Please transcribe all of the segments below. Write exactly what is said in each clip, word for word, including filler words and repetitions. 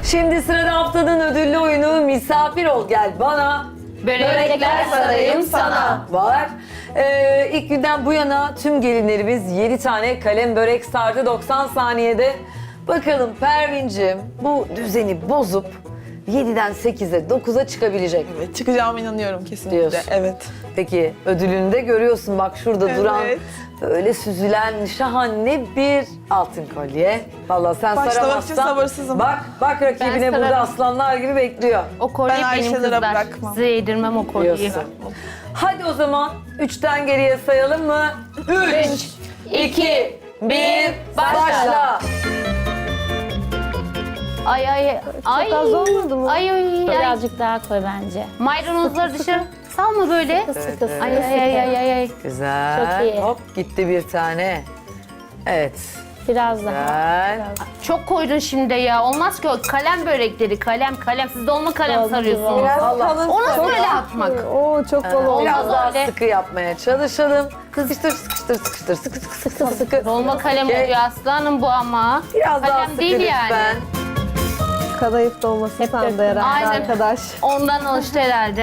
Şimdi sırada haftanın ödüllü oyunu Misafir Ol Gel Bana. Börekler sarayım sana. Var. Ee, ilk günden bu yana tüm gelinlerimiz yedi tane kalem börek sardı doksan saniyede. Bakalım Pervin'cim bu düzeni bozup yediden sekize dokuza çıkabilecek mi? Evet, çıkacağıma inanıyorum kesinlikle. Diyorsun. Evet. Peki ödülünü de görüyorsun bak şurada Evet. duran böyle süzülen şahane bir altın kolye. Vallahi sen Başlamak saramazsan. için sabırsızım. Bak bak rakibine Ben burada sararım. aslanlar gibi bekliyor. O kolyeyi Ben benim Ayşelere kızlar. bırakmam. Size yedirmem o kolyeyi. Diyorsun. Hadi o zaman üçten geriye sayalım mı? Üç, iki, bir, başla. Ay ay ay. az olmadı mı? Ay ay ay. Birazcık daha koy bence. Maydanozları dışarı salma böyle. Sıkı sıkı sıkı. Ay ay ay ay ay. ay. Güzel. Çok iyi. Hop gitti bir tane. Evet. Biraz daha. Güzel. Çok koydun şimdi ya. Olmaz ki o kalem börekleri. Kalem kalem. Siz dolma kalem Oldu, sarıyorsunuz. biraz Allah. O nasıl böyle atmak? Oo çok bol oldu. Biraz Olmaz daha öyle. sıkı yapmaya çalışalım. Sıkıştır, sıkıştır, sıkıştır, sıkı sıkı sıkı sıkı sıkı. Dolma kalem Okey. oluyor aslanım bu ama. Biraz daha kalem sıkı değil yani. lütfen. Kadayıf dolması sandı herhalde Aynen. arkadaş. Ondan alıştı herhalde.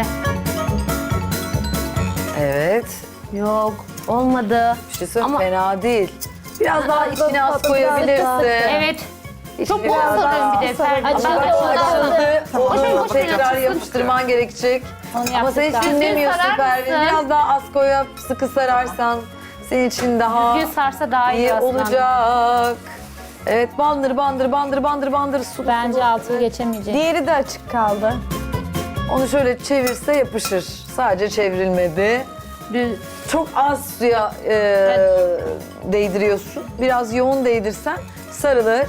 Evet. Yok olmadı. Bir şey söyleyeyim, Ama- fena değil. Biraz daha içine az tatlı, koyabilirsin. Evet. İçine Çok bol biraz sarıyorum bir de. sarı- Ferdi. Açıldı, Ama Açıldı, açıldı. Boş ver, Onu boş ver, tekrar açılsın. yapıştırman gerekecek. Onu Ama sen hiç yaptık daha. dinlemiyorsun Düzgün sarar Pervin. mısın? Biraz daha az koyup sıkı sararsan senin için daha Düzgün sarsa daha iyi, iyi aslanım. olacak. Evet, bandır bandır bandır bandır bandır sulu Bence sulu. altını geçemeyecek. Diğeri de açık kaldı. Onu şöyle çevirse yapışır. Sadece çevrilmedi. Düz- Çok az suya e, değdiriyorsun. Biraz yoğun değdirsen sarılır.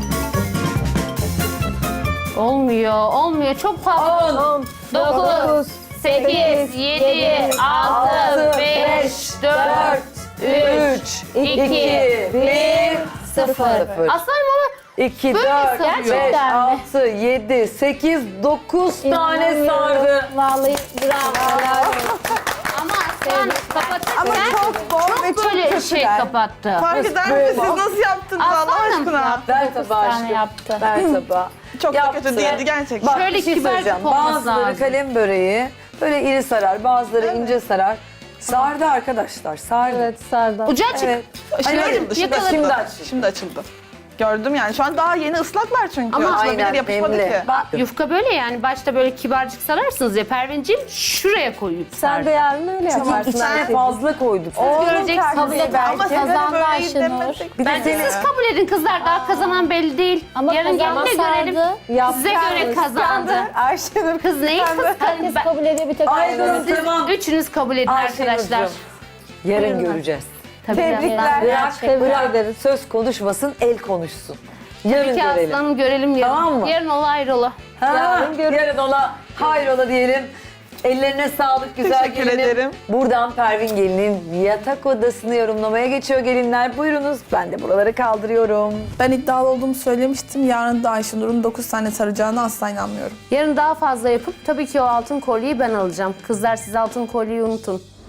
Olmuyor, olmuyor. Çok fazla. on, dokuz, sekiz, yedi, altı, beş, dört, üç, iki, bir, sıfır. Aslanım ama iki, Böyle dört, sarıyor. beş, Gerçekten mi? altı, yedi, sekiz, dokuz tane İnanamıyorum. sardı. Vallahi bravo. ama aslan kapatırken Ama çok bol ve çok böyle kötü şey der. kapattı. Fark eder misiniz? Siz nasıl yaptınız Allah Aslanım. aşkına? Ver tabağı tane aşkım. yaptı. Ver tabağı. Çok da Yaptı. kötü değildi gerçekten. Bak Şöyle bir şey kibarcık söyleyeceğim. olması Bazıları lazım. kalem böreği böyle iri sarar, bazıları ince sarar. Sardı arkadaşlar, sardı. Evet sardı. Ucu açık. Evet. Şimdi Hani açıldı, şimdi yakaladım. Şimdi açıldı. açıldı. Şimdi açıldı. Gördüm yani. Şu an daha yeni ıslaklar çünkü. Ama Açılabilir, aynen, yapışmadı nemli. ki. Bak yufka böyle yani başta böyle kibarcık sararsınız ya Pervinciğim şuraya koyup Sen de yarın öyle yaparsın. İçine Ayşe. fazla koyduk. Oğlum göreceksiniz. tercih belki. Ama siz Kazandı böyle Ayşenur. demesek. Bir de Bence seni siz kabul edin kızlar daha kazanan belli değil. Ama Yarın gelin de görelim. kazanmasaydı Size göre kazandı. Ayşenur Kız neyi kıskandı? herkes Ben- kabul ediyor bir tek Aynen. Ayşenur. Tamam. Üçünüz kabul edin arkadaşlar. Ayşenurcuğum, yarın göreceğiz. Tabii Tebrikler. Bırak, Teşekkür bırak. ederiz. Söz konuşmasın, el konuşsun. Yarın Peki görelim. aslanım görelim yarın. Tamam mı? Yarın ola ayrıla. Ha, Yarın görün. yarın ola, hayrola diyelim. Ellerine sağlık güzel Teşekkür gelinim. ederim. Buradan Pervin gelinin yatak odasını yorumlamaya geçiyor gelinler. Buyurunuz, ben de buraları kaldırıyorum. Ben iddialı olduğumu söylemiştim. Yarın da Ayşenur'un dokuz tane saracağına asla inanmıyorum. Yarın daha fazla yapıp tabii ki o altın kolyeyi ben alacağım. Kızlar siz altın kolyeyi unutun.